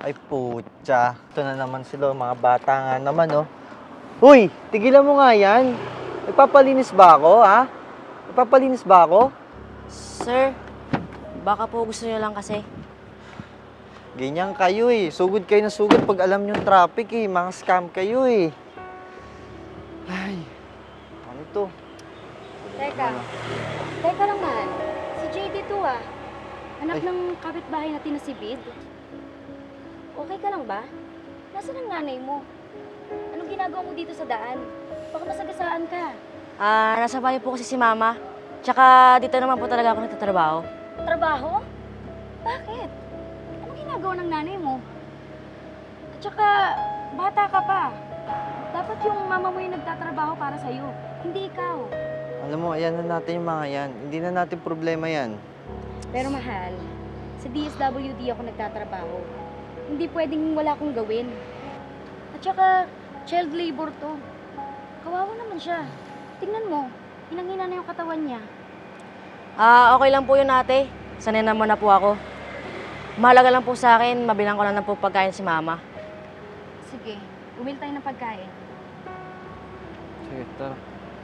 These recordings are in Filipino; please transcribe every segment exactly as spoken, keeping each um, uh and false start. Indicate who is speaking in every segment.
Speaker 1: Ay, putya. Ito na naman sila, mga bata nga naman, oh. Uy, tigilan mo nga yan. Nagpapalinis ba ako, ha? Nagpapalinis ba ako?
Speaker 2: Sir, baka po gusto niyo lang kasi.
Speaker 1: Ganyan kayo, eh. Sugod kayo na sugod pag alam nyo traffic, eh. Mga scam kayo, eh. Ay, ano to?
Speaker 3: Teka. Teka lang, man. Si J D to, ah. Anak
Speaker 1: Ay.
Speaker 3: ng kapitbahay natin na si Bid. Okay ka lang ba? Nasaan ang nanay mo? Anong ginagawa mo dito sa daan? Baka masagasaan ka.
Speaker 2: Ah, nasa bahay po kasi si Mama. Tsaka dito naman po talaga ako nagtatrabaho.
Speaker 3: Trabaho? Bakit? Anong ginagawa ng nanay mo? At saka, bata ka pa. Dapat yung mama mo yung nagtatrabaho para sa'yo, hindi ikaw.
Speaker 1: Alam mo, ayan na natin yung mga yan. Hindi na natin problema yan.
Speaker 3: Pero mahal, sa D S W D ako nagtatrabaho. Hindi pwedeng wala akong gawin. At saka, child labor to. Kawawa naman siya. Tingnan mo, hinang-hina na yung katawan niya.
Speaker 2: Ah, okay lang po yun ate. Sanay naman na po ako. Mahalaga lang po sa akin, mabilang ko na lang po pagkain si Mama.
Speaker 3: Sige, bumili tayo ng pagkain.
Speaker 1: Sige, tara.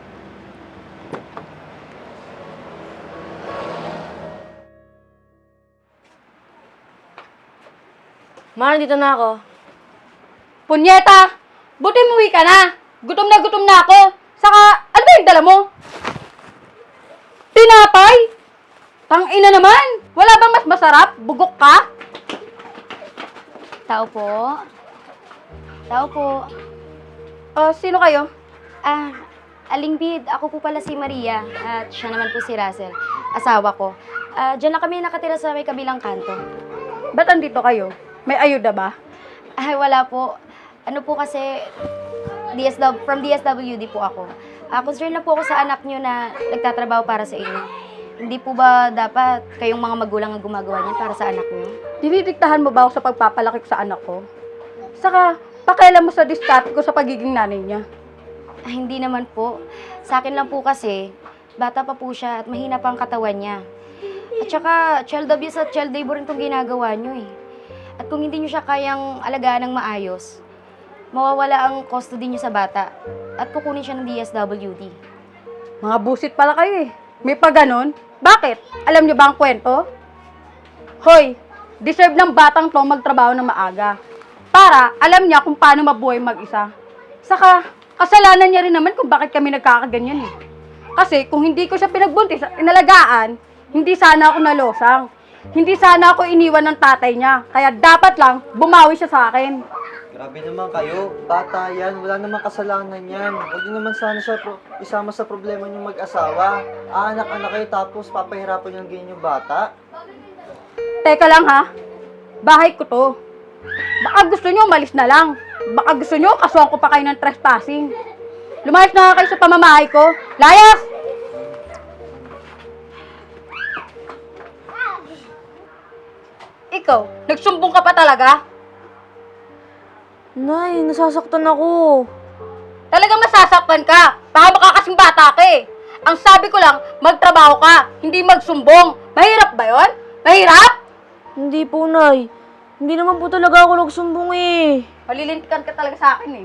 Speaker 2: Ma, dito na ako.
Speaker 4: Punyeta! Buti umuwi ka na! Gutom na gutom na ako! Saka, ano ba yung dala mo? Tinapay? Tangina naman! Wala bang mas masarap? Bugok ka?
Speaker 3: Tao po. Tao po.
Speaker 4: Ah, sino kayo?
Speaker 3: Ah, Aling Bid, ako po pala si Maria. At siya naman po si Russell, asawa ko. Ah, diyan na kami nakatira sa may kabilang kanto.
Speaker 4: Ba't andito kayo? May ayuda ba?
Speaker 3: Ay, wala po. Ano po kasi, D S W, from D S W D po ako. Ah, concerned na po ako sa anak nyo na nagtatrabaho para sa inyo. Hindi po ba dapat kayong mga magulang ang gumagawa niyan para sa anak nyo?
Speaker 4: Dinidiktahan mo ba ako sa pagpapalaki ko sa anak ko? Saka, pakialam mo sa diskarte ko sa pagiging nanay niya.
Speaker 3: Ay, hindi naman po. Sa akin lang po kasi, bata pa po siya at mahina pa ang katawan niya. At saka, child abuse at child labor rin itong ginagawa nyo eh. At kung hindi nyo siya kayang alagaan ng maayos, mawawala ang custody nyo sa bata at kukunin siya ng D S W D.
Speaker 4: Mga busit pala kayo eh. May pa ganon? Bakit? Alam niyo ba ang kwento? Hoy, deserve ng batang to magtrabaho ng maaga. Para alam niya kung paano mabuhay mag-isa. Saka, kasalanan niya rin naman kung bakit kami nagkakaganyan eh. Kasi kung hindi ko siya pinagbuntis at inalagaan, hindi sana ako nalosang. Hindi sana ako iniwan ng tatay niya. Kaya dapat lang bumawi siya sa akin.
Speaker 1: Grabe naman kayo. Bata yan. Wala namang kasalanan yan. Huwag niyo naman sana siya pro- isama sa problema niyong mag-asawa. Ah, anak-anak kayo tapos papahirapan niyo ang ganyan yung bata.
Speaker 4: Teka lang ha. Bahay ko to. Baka gusto niyo umalis na lang. Baka gusto niyo kasuhan ko pa kayo ng trespassing. Lumayas na nga kayo sa pamamahay ko. Layas! Ikaw, nagsumbong ka pa talaga?
Speaker 2: Nay, nasasaktan ako.
Speaker 4: Talagang masasaktan ka. Baka makakasing bata ka eh. Ang sabi ko lang, magtrabaho ka, hindi magsumbong. Mahirap ba yon? Mahirap?
Speaker 2: Hindi po, Nay. Hindi naman po talaga ako nagsumbong eh.
Speaker 4: Malilintikan ka talaga sa akin eh.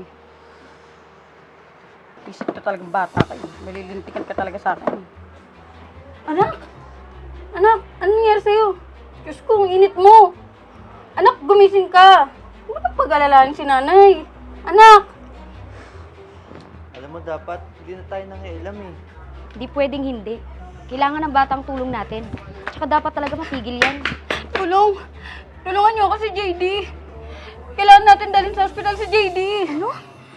Speaker 4: Isip ka talagang bata kayo. Malilintikan ka talaga sa akin. Anak? Anak, anong nangyari sa'yo? Diyos ko, ang init mo. Anak, gumising ka. Ano ba pag-alalahan si nanay? Anak!
Speaker 1: Alam mo, dapat hindi na tayo nangialam eh.
Speaker 3: Hindi pwedeng hindi. Kailangan ng batang tulong natin. Tsaka dapat talaga matigil yan.
Speaker 4: Tulong! Tulungan niyo ako si J D. Kailangan natin dalhin sa ospital si J D. Ano?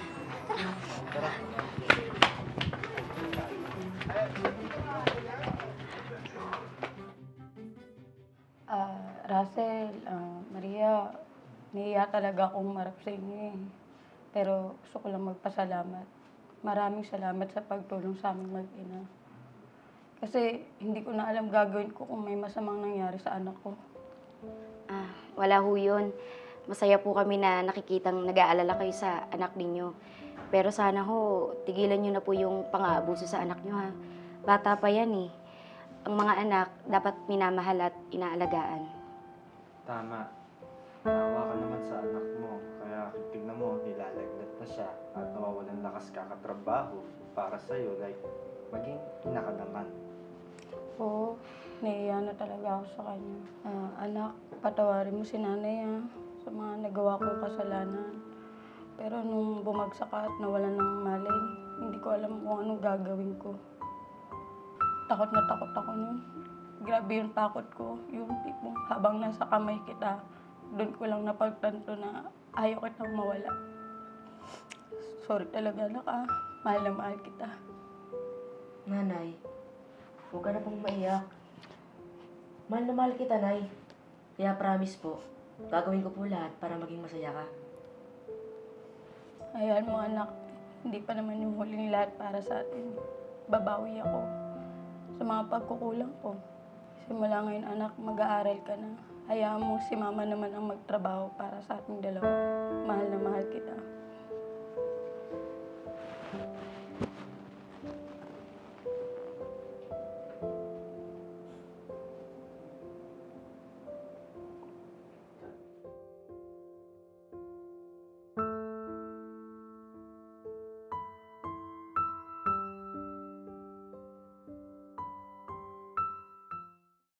Speaker 4: Ah, Russell, ah, Maria, nahiya talaga akong marap sa inyo eh. Pero gusto ko lang magpasalamat. Maraming salamat sa pagtulong sa aming mag-ina. Kasi hindi ko na alam gagawin ko kung may masamang nangyari sa anak ko.
Speaker 3: Ah, wala ho yun. Masaya po kami na nakikitang nag-aalala kayo sa anak ninyo. Pero sana ho, tigilan nyo na po yung pang-aabuso sa anak nyo ha. Bata pa yan eh. Ang mga anak dapat minamahal at inaalagaan.
Speaker 1: Tama. Naawa ka naman sa anak mo. Kaya tignan mo, nilalagnat na siya at nawawalan lakas kakatrabaho para sa'yo. Like, maging ina ka naman.
Speaker 4: Oo, naiiya na talaga ako sa kanya. Ah, anak, patawarin mo si nanay ah, sa mga nagawa kong kasalanan. Pero nung bumagsak ka at nawalan ng malay, hindi ko alam kung anong gagawin ko. Takot na takot ako nun. Grabe yung takot ko. Yung tipong habang nasa kamay kita, doon ko lang napagtanto na ayaw kitang mawala. Sorry talaga anak ah. Mahal na mahal kita.
Speaker 2: Nanay, huwag ka na pong maiyak. Mahal na mahal kita, Nay. Kaya promise po, gagawin ko po lahat para maging masaya ka.
Speaker 4: Ayan mo anak, hindi pa naman yung huling lahat para sa atin. Babawi ako sa mga pagkukulang ko. Simula ngayon anak, mag-aaral ka na. Hayaan mo si mama naman ang magtrabaho para sa ating dalawa. Mahal na mahal kita.